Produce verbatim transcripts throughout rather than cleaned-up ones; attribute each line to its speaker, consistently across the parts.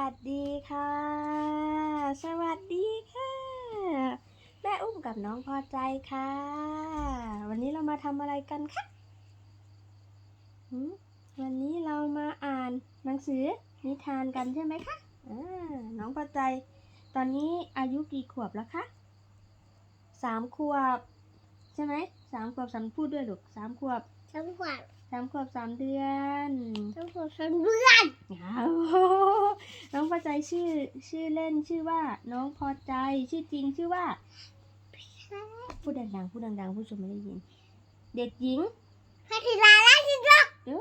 Speaker 1: วัสดีค่ะสวัสดีค่ะแม่อุ้มกับน้องพอใจค่ะวันนี้เรามาทำอะไรกันคะหืมวันนี้เรามาอ่านหนังสือนิทานกันใช่ไหมคะอ่าน้องพอใจตอนนี้อายุกี่ขวบแล้วคะสามขวบใช่ไหมสามขวบสามพูดด้วยลูกสามขวบ
Speaker 2: สามขวบ
Speaker 1: สามขวบสามเดือน
Speaker 2: สามขวบสามเดือน
Speaker 1: อ้าวน้องพอใจชื่อชื่อเล่นชื่อว่าน้องพอใจชื่อจริงชื่อว่าพูดดังๆพูดดังๆผู้ชมไม่ได้ยินเด็กหญิง
Speaker 2: พัทิราราชิรัก
Speaker 1: โอ้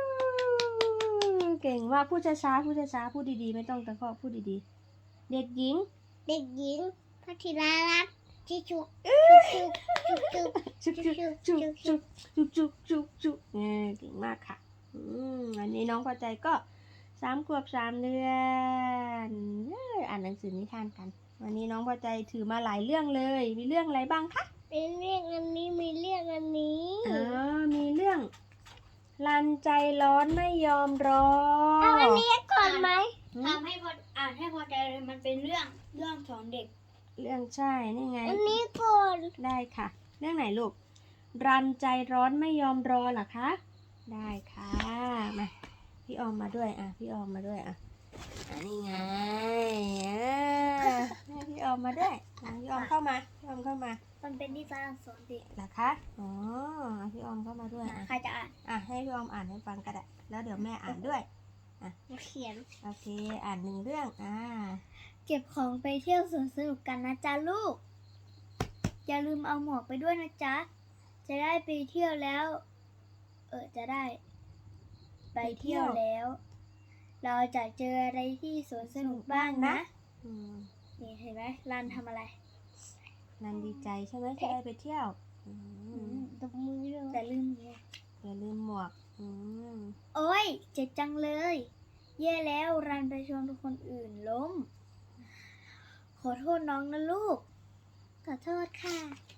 Speaker 1: เก่งมากพูดช้าๆพูดช้าๆพูดดีๆไม่ต้องตะคอกพูดดีๆเด็กหญิง
Speaker 2: เด็กหญิงพัทิรารัตน์ชิชุกชุกชุกชุกชุก
Speaker 1: จุกจุกจุกจุกจุกจุกจุกเออเก่งมากค่ะอืมอันนี้น้องพอใจก็สามขวบสามเดือนเอ้ยอ่านหนังสือนิทานกันวันนี้น้องพอใจถือมาหลายเรื่องเลยมีเรื่องอะไรบ้างคะ
Speaker 2: มีเรื่องอันนี้มีเรื่องอันนี้
Speaker 1: อ๋อมีเรื่องรันใจร้อนไม่ยอมรอ
Speaker 2: เอาอันนี้ก่อนไหม
Speaker 3: ทำให้พออ่านให้พอใจเลยมันเป็นเรื่องเรื่องสอนเด็ก
Speaker 1: เรื่องใช่นี่ไง
Speaker 2: อันนี้ก่อน
Speaker 1: ได้ค่ะ เรื่องไหนลูกรันใจร้อนไม่ยอมรอเหรอคะได้ค่ะมาพี่ออมมาด้วยอ่ะพี่ออมมาด้วยอ่ะอันนี้ไงเออให้พี่ออมมาด้วยอ่ะพี่ออมเข้ามาพี่ออมเข้ามา
Speaker 3: มันเป็นนิทานสอนเด็ก
Speaker 1: เหรอคะอ๋อเอาพี่ออมเข้ามาด้วยอ่ะ
Speaker 3: ใครจะอ่าน
Speaker 1: อ่ะให้พี่ออมอ่านให้ฟังก็ได้แล้วเดี๋ยวแม่อ่านด้วย
Speaker 2: เขียน
Speaker 1: โอเคอ่านหนึ่งเรื่องอ่า
Speaker 3: เก็บของไปเที่ยวสวนสนุกกันนะจ๊ะลูกอย่าลืมเอาหมวกไปด้วยนะจ๊ะจะได้ไปเที่ยวแล้ว เออจะได้ ไปเที่ยวแล้ว เราจะเจออะไรที่สวนสนุกบ้างนะ
Speaker 1: อืม
Speaker 3: นี่เห็นไหมรันทำอะไร
Speaker 1: นันดีใจใช่ไหมที่ได้ไปเที่ยวอืม
Speaker 2: ตบมือด้วย
Speaker 3: แต่ลืมไง
Speaker 1: อย่าลืมหมวกอืม
Speaker 3: โอ้ยเจ็บจังเลย แย่แล้วรันไปชนคนอื่นล้ม ขอโทษน้องนะลูก
Speaker 2: ขอโทษค่ะ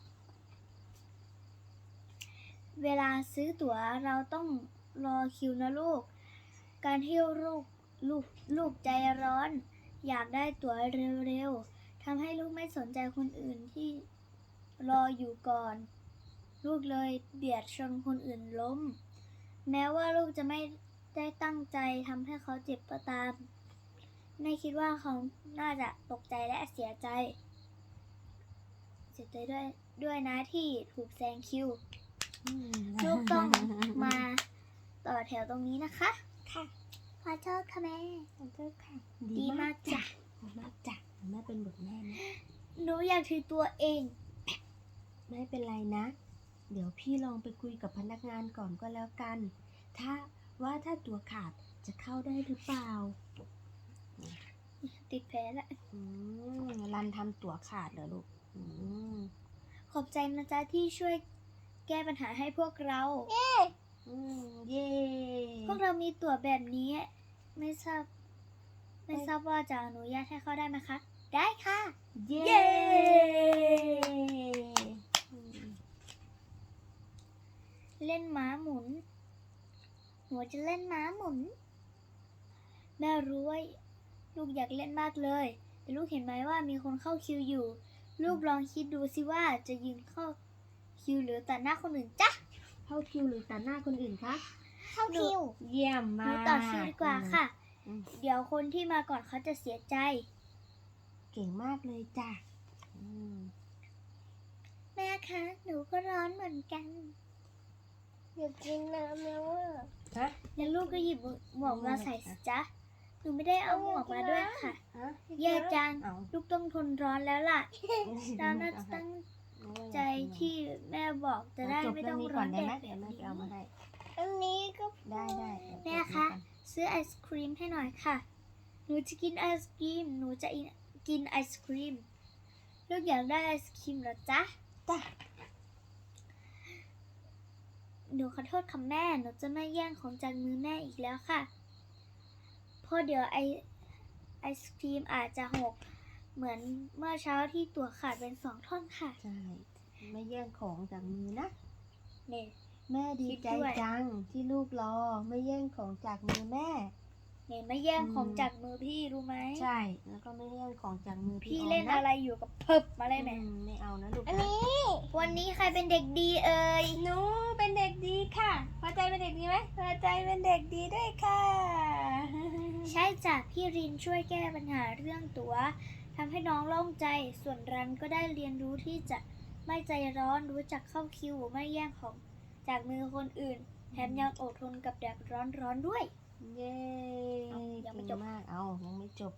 Speaker 3: เวลาซื้อตั๋วเราต้องรอคิวนะลูก การเที่ยวลูกลูกลูกใจร้อน อยากได้ตั๋วเร็วๆทำให้ลูกไม่สนใจคนอื่นที่รออยู่ก่อน ลูกเลยเบียดชนคนอื่นล้ม แม้ว่าลูกจะไม่ได้ตั้งใจทำให้เขาเจ็บก็ตามแม่คิดว่าเขาน่าจะตกใจและเสียใจ เสียใจด้วยด้วยนะที่ถูกแซงคิว
Speaker 1: อืม
Speaker 3: ลูกต้องมาต่อแถวตรงนี้นะคะ
Speaker 2: ค่ะขอโทษค่ะแม่
Speaker 1: ขอโทษค่ะ
Speaker 3: ดีมากจ้ะ
Speaker 1: ดีมากจ้ะแม่เป็นบทแม่นะ
Speaker 3: หนูอยากถือตัวเอง
Speaker 1: ไม่เป็นไรนะ เดี๋ยวพี่ลองไปคุยกับพนักงานก่อนก็แล้วกัน ถ้าว่าถ้าตัวขาดจะเข้าได้หรือเปล่า
Speaker 3: ติดแผลแล้ว
Speaker 1: อืมรันทำตั๋วขาดเหรอลูกอืม
Speaker 3: ขอบใจนะจ๊ะที่ช่วยแก้ปัญหาให้พวกเรา
Speaker 1: อืมเย่
Speaker 3: พวกเรามีตั๋วแบบนี้ ไม่ทราบ ไม่ทราบว่าจะอนุญาตให้เข้าได้ไหมคะ ได้ค่ะ
Speaker 1: เย่
Speaker 3: เย้
Speaker 1: อืม
Speaker 3: เล่นม้าหมุน หนูจะเล่นม้าหมุน แม่รู้ว่าลูกอยากเล่นมากเลย แต่ลูกเห็นไหมว่ามีคนเข้าคิวอยู่ ลูกลองคิดดูสิว่าจะยืนเข้าคิวหรือตัดหน้าคนอื่นจ๊ะ
Speaker 1: เข้าคิวหรือตัดหน้าคนอื่นคะ
Speaker 2: เข้าคิว
Speaker 1: เยี่ยม
Speaker 3: ห
Speaker 1: มา
Speaker 3: นู
Speaker 1: ก
Speaker 3: ต่อคิวดีกว่าค่ะ
Speaker 1: อืม
Speaker 3: เดี๋ยวคนที่มาก่อนเขาจะเสียใจ
Speaker 1: เก่งมากเลยจ้ะอืม
Speaker 3: แม่คะ หนูก็ร้อนเหมือนกัน
Speaker 2: อยากกินน้ำแล้วอ่ะ
Speaker 1: ฮะ
Speaker 3: แล้วลูกก็หยิบหมวกมาใส่สิจ๊ะ หนูไม่ได้เอาหมวกมาด้วยค่ะ
Speaker 1: ฮะ
Speaker 3: แย่จัง
Speaker 1: เอา
Speaker 3: ลูกต้องทนร้อนแล้วล่ะเราน่าจะตั้งใจที่แม่บอกจะได้
Speaker 1: จบ
Speaker 3: ไม่
Speaker 1: เรื่
Speaker 3: ต้
Speaker 1: อ
Speaker 3: อง ง
Speaker 1: นี้
Speaker 3: ร้
Speaker 1: ก่
Speaker 3: อ
Speaker 1: อน
Speaker 3: น
Speaker 1: ได้
Speaker 3: แด
Speaker 1: ไหม
Speaker 3: ด
Speaker 1: เดี๋ยวแม่ไปเอามาให้
Speaker 2: อันนี้ก็
Speaker 1: ได้ได้เดี๋ยว
Speaker 3: แม่
Speaker 1: จบ
Speaker 3: คะ
Speaker 1: นี้ก่อน
Speaker 3: ซื้อไอศครีมให้หน่อยค่ะ หนูจะกินไอศครีม หนูจะกินไอศครีม ลูกอยากได้ไอศครีมเหรอจ๊ะ
Speaker 1: จ้ะ
Speaker 3: หนูขอโทษค่ะแม่ หนูจะไม่แย่งของจากมือแม่อีกแล้วค่ะ เพราะเดี๋ยวไอไอศครีมอาจจะหก เหมือนเมื่อเช้าที่ตัวขาดเป็นสองท่อนค่ะ
Speaker 1: ใช่ไม่แย่งของจากมือนะ
Speaker 3: เนี่ย
Speaker 1: แม่ดีใจ
Speaker 3: คิดด้วย
Speaker 1: จังที่ลูกรอไม่แย่งของจากมือแม่
Speaker 3: เนี่ยไม่แย่งของจากมือพี่รู้ไหม
Speaker 1: ใช่ แล้วก็ไม่เล่นของจากมือพี่
Speaker 3: พี่
Speaker 1: ออม
Speaker 3: เล่น
Speaker 1: นะ
Speaker 3: อะไรอยู่กับเพิบมาเลยแม่
Speaker 1: อืมไม่เอานะลูก
Speaker 2: อัน
Speaker 1: นะ
Speaker 2: นี้
Speaker 3: วันนี้ใครเป็นเด็กดีเอ่ย
Speaker 1: หนูเป็นเด็กดีค่ะ พอใจเป็นเด็กดีไหมพอใจเป็นเด็กดีด้วยค่ะ
Speaker 3: ใช่จ้ะพี่รินช่วยแก้ปัญหาเรื่องตั๋วทำให้น้องโล่งใจ ส่วนรันก็ได้เรียนรู้ที่จะไม่ใจร้อนรู้จักเข้าคิวไม่แย่งของจากมือคนอื่น แถมยังอดทนกับแดดร้อนๆด้วย
Speaker 1: เย้
Speaker 3: เอายังไม่จบ
Speaker 1: เก่งมาก เอายังไม่จบ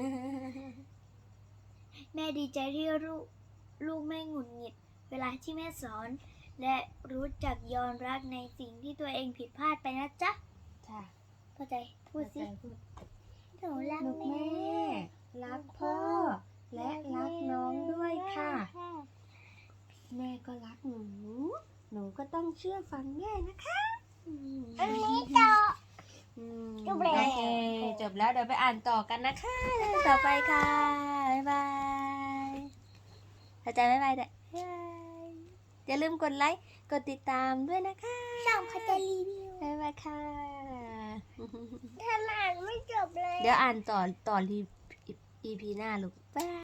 Speaker 3: แม่ดีใจที่ลูกลูกไม่หงุดหงิด เวลาที่แม่สอน และรู้จักยอมรับในสิ่งที่ตัวเองผิดพลาดไปนะจ๊ะ
Speaker 1: ค่ะ
Speaker 3: เข้าใจพูดสิ
Speaker 1: เข้าใจพูด
Speaker 3: หนูรัก
Speaker 1: ลูก
Speaker 3: แม่
Speaker 1: แม่ รักพ่อ และรักน้องด้วยค่ะ แม่ก็รักหนู หนูก็ต้องเชื่อฟังแม่นะคะอืม
Speaker 2: อันนี้ต่อ
Speaker 1: อืม
Speaker 2: จบแล้ว
Speaker 1: โอเคจบแล้วเดี๋ยวไปอ่านต่อกันนะคะ ต่อไปค่ะ บ๊ายบายเข้าใจบ๊ายบายเด้อบ๊ายบายอย่าลืมกดไลค์ กดติดตามด้วยนะคะ
Speaker 2: ช่องพัชรีวิว
Speaker 1: บ๊ายบายค่ะ
Speaker 2: ถ้าอ่านไม่จบเลย
Speaker 1: เดี๋ยวอ่านต่อต่อรี อี พี หน้าลูก บ๊ายบาย